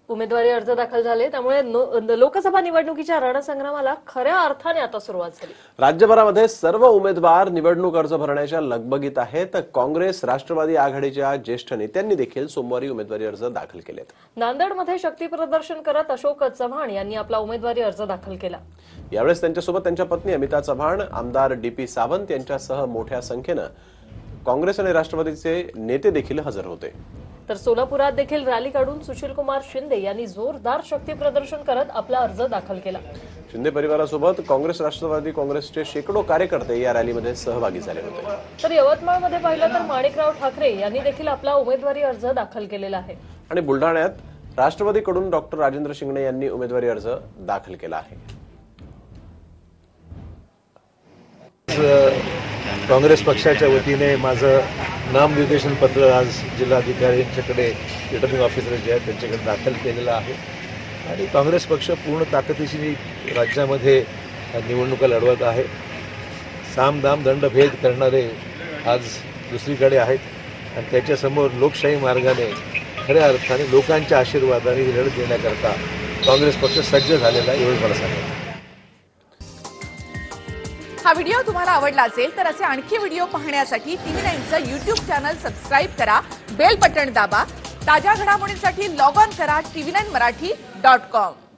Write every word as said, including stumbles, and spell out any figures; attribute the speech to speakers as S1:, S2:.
S1: उमेदवारी अर्ज दाखल झाले, त्यामुळे लोकसभा निवडणुकीच्या रणसंग्रामाला खऱ्या अर्थाने आता सुरुवात झाली।
S2: राज्यभरामध्ये सर्व उमेदवार निवडणूक अर्ज भरण्याच्या लगबगीत आहेत। काँग्रेस राष्ट्रवादी आघाडीच्या ज्येष्ठ नेत्यांनी देखील सोमवारी उमेदवारी अर्ज दाखल केलेत।
S1: नांदेडमध्ये शक्ती प्रदर्शन करत अशोक चव्हाण यांनी आपला उमेदवारी अर्ज दाखल केला।
S2: यावेळेस त्यांच्यासोबत त्यांच्या पत्नी अमिता चव्हाण, आमदार डीपी सावंत यांच्यासह मोठ्या संख्येने काँग्रेस आणि राष्ट्रवादीचे नेते देखील हजर होते।
S1: तर सोलापुरात देखील रॅली काढून सुशीलकुमार शिंदे यांनी जोरदार शक्ती प्रदर्शन करत आपला अर्ज दाखल केला।
S2: शिंदे परिवारासोबत काँग्रेस राष्ट्रवादी काँग्रेसचे शेकडो कार्यकर्ते या रॅलीमध्ये सहभागी झाले होते।
S1: तर यवतमाळमध्ये पाहिलं तर माणिकराव ठाकरे यांनी देखील आपला उमेदवारी अर्ज दाखल केलेला आहे।
S2: आणि बुलढाण्यात राष्ट्रवादीकडून डॉक्टर राजेंद्र शिंगणे यांनी उमेदवारी अर्ज दाखल केला आहे।
S3: काँग्रेस पक्षाच्या वतीने माझं नामनिर्देशन पत्र आज जिल्हाधिकारी यांच्याकडे रिटर्निंग ऑफिसर जे आहेत त्यांच्याकडे दाखल केलेलं आहे आणि काँग्रेस पक्ष पूर्ण ताकदीशी राज्यामध्ये निवडणुका लढवत आहे। सामदाम दंडभेद करणारे आज दुसरीकडे आहेत आणि त्याच्यासमोर लोकशाही मार्गाने खऱ्या अर्थाने लोकांच्या आशीर्वादाने ही लढत देण्याकरता काँग्रेस पक्ष सज्ज झालेला आहे, एवढंच मला सांगायचं।
S4: हा व्हिडिओ तुम्हाला आवडला असेल तर असे आणखी व्हिडिओ पाहण्यासाठी टीव्ही नाईनचं यूट्यूब चॅनल सबस्क्राईब करा, बेल बटण दाबा। ताज्या घडामोडींसाठी लॉग ऑन करा TV nine Marathi dot com.